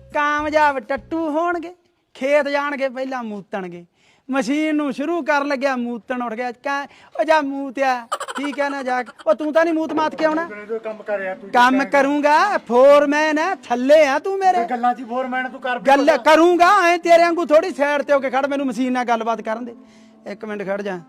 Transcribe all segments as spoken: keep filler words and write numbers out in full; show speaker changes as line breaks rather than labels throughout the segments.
ਕਾਮਯਾਬ ਟੱਟੂ ਹੋਣਗੇ ਖੇਤ ਜਾਣਗੇ ਪਹਿਲਾਂ ਮੂਤਣਗੇ ਮਸ਼ੀਨ ਨੂੰ ਸ਼ੁਰੂ ਕਰਨ ਲੱਗਿਆ ਮੂਤਣ ਉੱਠ ਗਿਆ ਕਹ ਉਹ ਜਾ ਮੂਤਿਆ ਠੀਕ ਹੈ ਨਾ ਜਾ ਉਹ ਤੂੰ ਤਾਂ ਨਹੀਂ ਮੂਤ ਮਾਤ ਕੇ ਆਉਣਾ
ਕੰਮ ਕਰ ਯਾਰ ਤੂੰ
ਕੰਮ ਕਰੂੰਗਾ ਫੋਰਮੈਨ ਹੈ ਥੱਲੇ ਆ ਤੂੰ ਮੇਰੇ
ਗੱਲਾਂ ਚ ਫੋਰਮੈਨ ਤੂੰ ਕਰ
ਗੱਲ ਕਰੂੰਗਾ ਐ ਤੇਰੇ ਵਾਂਗੂ ਥੋੜੀ ਸਾਈਡ ਤੇ ਹੋ ਕੇ ਖੜ ਮੈਨੂੰ ਮਸ਼ੀਨ ਨਾਲ ਗੱਲਬਾਤ ਕਰਨ ਦੇ ਇੱਕ ਮਿੰਟ ਖੜ ਜਾ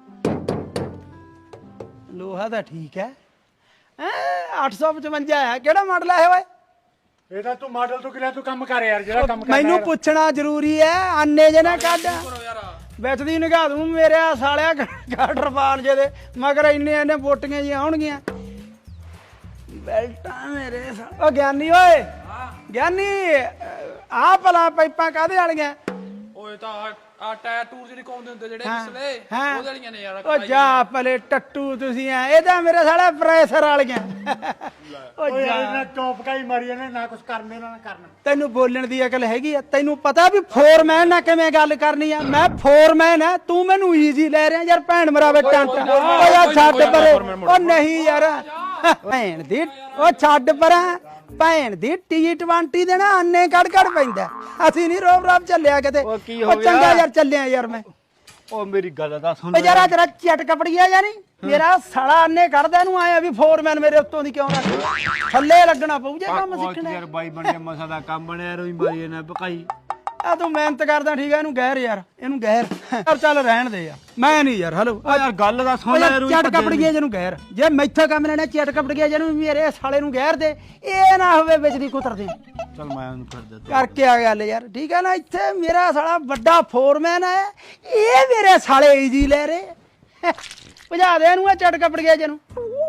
ਲੋਹਾ ਤਾਂ ਠੀਕ ਹੈ ਅੱਠ ਸੌ ਪਚਵੰਜਾ ਹੈ ਕਿਹੜਾ ਮਾਡਲ ਹੈ ਓਏ
ਇਹਦਾ ਤੂੰ ਮਾਡਲ ਤੋਂ ਕਿਹਾ ਤੂੰ ਕੰਮ ਕਰ ਯਾਰ ਜਿਹੜਾ ਕੰਮ ਕਰਨਾ
ਮੈਨੂੰ ਪੁੱਛਣਾ ਜ਼ਰੂਰੀ ਹੈ ਆਨੇ ਜੇ ਨਾ ਕੱਢ ਵਿੱਚ ਦੀ ਨਿਗਾਹ ਦੂੰ ਮੇਰੇ ਸਾਲਿਆ ਗਾਡਰਪਾਲ ਜੇ ਦੇ ਮਗਰ ਇੰਨੇ ਇੰਨੇ ਬੋਟੀਆਂ ਜੀ ਆਉਣਗੀਆਂ ਬੈਲਟਾਂ ਮੇਰੇ ਸਾਲੇ ਓ ਗਿਆਨੀ ਓਏ ਗਿਆਨੀ ਆਹ ਭਲਾ ਪਾਈਪਾਂ ਕਾਹਦੇ ਵਾਲੀਆਂ
ਓਏ ਤਾਂ ਆ ਟਾਇਰ ਟੂਰ ਜਿਹੜੇ ਕਾਉਂਦੇ ਹੁੰਦੇ ਜਿਹੜੇ ਪਿਛਲੇ ਉਹਦੇ ਵਾਲੀਆਂ ਨੇ ਯਾਰ
ਓ ਜਾ ਭਲੇ ਟੱਟੂ ਤੁਸੀਂ ਆ ਇਹਦਾ ਮੇਰੇ ਸਾਲਾ ਪ੍ਰੈਸ਼ਰ ਵਾਲੀਆਂ ਓ
ਓਏ
ਜਾ
ਇਹਨਾਂ ਟੌਪ ਕਾਈ ਮਾਰੀ ਇਹਨੇ ਨਾ ਕੁਝ ਕਰਨ ਦੇਣਾ ਨਾ ਕਰਨ
ਤੈਨੂੰ ਬੋਲਣ ਦੀ ਅਕਲ ਹੈਗੀ ਆ ਤੈਨੂੰ ਪਤਾ ਵੀ ਫੋਰਮੈਨ ਨਾਲ ਕਿਵੇਂ ਗੱਲ ਕਰਨੀ ਆ ਮੈਂ ਫੋਰਮੈਨ ਆ ਤੂੰ ਮੈਨੂੰ ਈਜ਼ੀ ਲੈ ਰਿਹਾ ਯਾਰ ਭੈਣ ਮਰਾਵੇ ਟੰਟ ਓ ਯਾਰ ਛੱਡ ਪਰੇ ਓ ਨਹੀਂ ਯਾਰ ਭੈਣ ਦੀ ਓ ਛੱਡ ਪਰਾਂ ਭੈਣ ਦੀ ਟੀ ਟਵੰਟੀ ਦੇ ਨਾ ਅੰਨੇ ਕੜ ਕੜ ਪੈਂਦਾ ਅਸੀਂ ਨਹੀਂ ਰੋਬ ਰਾਬ ਚੱਲਿਆ ਕਿਤੇ ਉਹ ਚੰਗਾ ਯਾਰ ਚੱਲਿਆ ਯਾਰ ਮੈਂ
ਓ ਮੇਰੀ ਗੱਲ ਦਾ ਸੁਣ
ਓ ਯਾਰ ਤੇਰਾ ਚਟ ਕਪੜੀਆ ਯਾਨੀ ਮੇਰਾ ਸਾਲਾ ਅੰਨੇ ਕੱਢਦਾ ਇਹਨੂੰ ਆਇਆ ਵੀ ਫੋਰਮੈਨ ਮੇਰੇ ਉੱਤੋਂ ਦੀ ਕਿਉਂ ਰੱਖ ਥੱਲੇ ਲੱਗਣਾ ਪਊ ਜੇ ਕੰਮ ਸਿੱਖਣਾ
ਯਾਰ ਬਾਈ ਬਣ ਗਿਆ ਮਸਾ ਦਾ ਕੰਮ ਬਣਿਆ ਰੋਈ ਮਾਰੀ ਇਹਨੇ ਭਕਾਈ
ਆ ਤੂੰ ਮਿਹਨਤ ਕਰਦਾ ਠੀਕ ਆ ਇਹਨੂੰ ਗਹਿਰ ਯਾਰ ਇਹਨੂੰ ਗਹਿਰ ਯਾਰ ਚੱਲ ਰਹਿਣ ਦੇ ਯਾਰ ਮੈਂ ਨਹੀਂ ਯਾਰ ਹਲੋ
ਓ ਯਾਰ ਗੱਲ ਦਾ ਸੁਣ ਲੈ
ਚਟ ਕਪੜੀਏ ਜਿਹਨੂੰ ਗਹਿਰ ਜੇ ਮੈਥੋਂ ਕੰਮ ਲੈਣਾ ਚਟ ਕਪੜੀਏ ਜਿਹਨੂੰ ਮੇਰੇ ਸਾਲੇ ਨੂੰ ਗਹਿਰ ਦੇ ਇਹ ਨਾ ਹੋਵੇ ਵਿੱਚ ਦੀ ਕੁਤਰ ਦੇ
ਚੱਲ ਮੈਂ ਉਹਨੂੰ ਕਰ ਦਿੱਤਾ
ਕਰਕੇ ਆ ਗੱਲ ਯਾਰ ਠੀਕ ਹੈ ਨਾ ਇੱਥੇ ਮੇਰਾ ਸਾਲਾ ਵੱਡਾ ਫੋਰਮੈਨ ਹੈ ਇਹ ਮੇਰੇ ਸਾਲੇ ਈਜੀ ਲੈ ਰਹੇ ਭਜਾ ਦੇ ਇਹਨੂੰ ਆ ਚਟ ਕਪੜੀਏ ਜਿਹਨੂੰ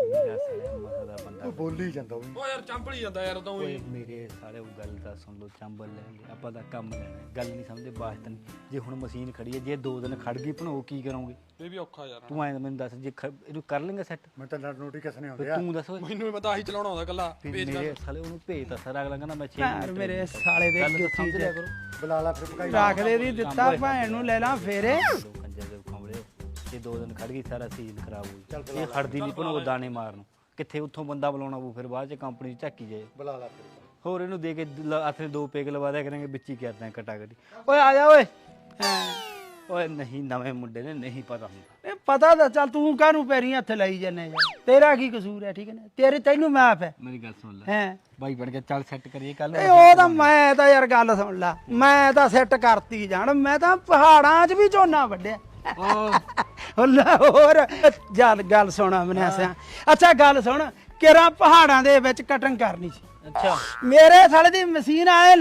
ਬੋਲੀ ਜਾਂਦਾ ਉਹ
ਓ ਯਾਰ ਚੰਪਲੀ ਜਾਂਦਾ ਯਾਰ ਤਾਂ
ਓਏ ਮੇਰੇ ਸਾਰੇ ਉਹ ਗੱਲ ਦਾ ਸੁਣ ਲੋ ਚੰਬਲ ਲੈ ਆਪਾਂ ਦਾ ਕੰਮ ਲੈਣਾ ਗੱਲ ਨਹੀਂ ਸਮਝਦੇ ਬਾਤ ਨਹੀਂ ਜੇ ਹੁਣ ਮਸ਼ੀਨ ਖੜੀ ਹੈ ਜੇ ਦੋ ਦਿਨ ਖੜ ਗਈ ਭਣੋ ਕੀ ਕਰੋਗੇ
ਇਹ ਵੀ ਔਖਾ ਯਾਰ
ਤੂੰ ਐਂ ਮੈਨੂੰ ਦੱਸ ਜੇ ਇਹਨੂੰ ਕਰ ਲੇਗਾ ਸੈੱਟ ਮੈਂ ਤਾਂ ਨੋਟੀਫਿਕੇਸ਼ਨ ਨਹੀਂ ਆਉਂਦਾ ਤੂੰ ਦੱਸ ਓਏ
ਮੈਨੂੰ ਵੀ ਪਤਾ ਆਹੀ ਚਲਾਉਣਾ ਹੁੰਦਾ ਕੱਲਾ
ਮੇਰੇ ਸਾਲੇ ਉਹਨੂੰ ਭੇਜ ਤਾਂ ਸਾਰਾ ਅਗਲਾ ਕਹਿੰਦਾ ਮੈਂ ਛੇ
ਯਾਰ ਮੇਰੇ ਸਾਲੇ ਦੇ
ਗੱਲ ਸਮਝ ਲਿਆ ਕਰੋ ਬੁਲਾ ਲਾ ਫਿਰ ਭਕਾਈ
ਰੱਖ ਦੇ ਦੀ ਦਿੱਤਾ ਭੈਣ ਨੂੰ ਲੈ ਲਾਂ ਫੇਰੇ
ਕੰਜਰ ਦੇ ਖਾਂਵਲੇ ਜੇ ਦੋ ਦਿਨ ਖੜ ਗਈ ਸਾਰਾ ਸੀਜ਼ਨ ਖਰਾਬ ਹੋ ਗਿਆ ਇਹ ਖੜਦੀ ਨਹੀਂ ਭਣੋ ਦਾਣੇ ਮਾਰਨ ਕਿੱਥੇ ਉੱਥੋਂ ਬੰਦਾ ਬੁਲਾਉਣਾ ਪਊ ਫਿਰ ਬਾਅਦ ਚ ਕੰਪਨੀ ਚ ਝਾਕੀ ਜਾਏ ਬੁਲਾ ਲਾ ਫਿਰ ਹੋਰ ਇਹਨੂੰ ਦੇ ਕੇ ਹੱਥ ਦੋ ਪੇਗ ਲਵਾ ਦਿਆ ਕਰਾਂਗੇ ਵਿੱਚ ਹੀ ਕਰਦਾ ਕਟਾ ਕਟੀ
ਓਏ ਆ ਜਾ ਓਏ ਹਾਂ
ਓਏ ਨਹੀਂ ਨਵੇਂ ਮੁੰਡੇ ਨੇ ਨਹੀਂ ਪਤਾ ਹੁੰਦਾ
ਇਹ ਪਤਾ ਤਾਂ ਚੱਲ ਤੂੰ ਕਾਹਨੂੰ ਪੈਰੀਂ ਹੱਥ ਲਾਈ ਜਾਂਦੇ ਯਾਰ ਤੇਰਾ ਕੀ ਕਸੂਰ ਹੈ ਠੀਕ ਹੈ ਨਾ ਤੇਰੇ ਤੈਨੂੰ ਮਾਫ ਹੈ
ਮੇਰੀ ਗੱਲ ਸੁਣ ਲੈ
ਹੈ
ਬਾਈ ਬਣ ਕੇ ਚੱਲ ਸੈੱਟ ਕਰੀਏ ਕੱਲ
ਇਹ ਉਹ ਤਾਂ ਮੈਂ ਤਾਂ ਯਾਰ ਗੱਲ ਸੁਣ ਲਾ ਮੈਂ ਤਾਂ ਸੈੱਟ ਕਰਤੀ ਜਾਣ ਮੈਂ ਤਾਂ ਪਹਾੜਾਂ 'ਚ ਵੀ ਝੋਨਾ ਵੱਢਿਆ ਹੁੱਲਾ ਹੋਰ ਜਦ ਗੱਲ ਸੁਣਾ ਮਨਿਆ ਸਿਆ ਅੱਛਾ ਗੱਲ ਸੁਣ ਕਿਹੜਾ ਪਹਾੜਾਂ ਦੇ ਵਿੱਚ ਕਟਿੰਗ ਕਰਨੀ ਸੀ
ਅੱਛਾ
ਮੇਰੇ ਸਾਲੇ ਦੀ ਮਸ਼ੀਨ ਆਏ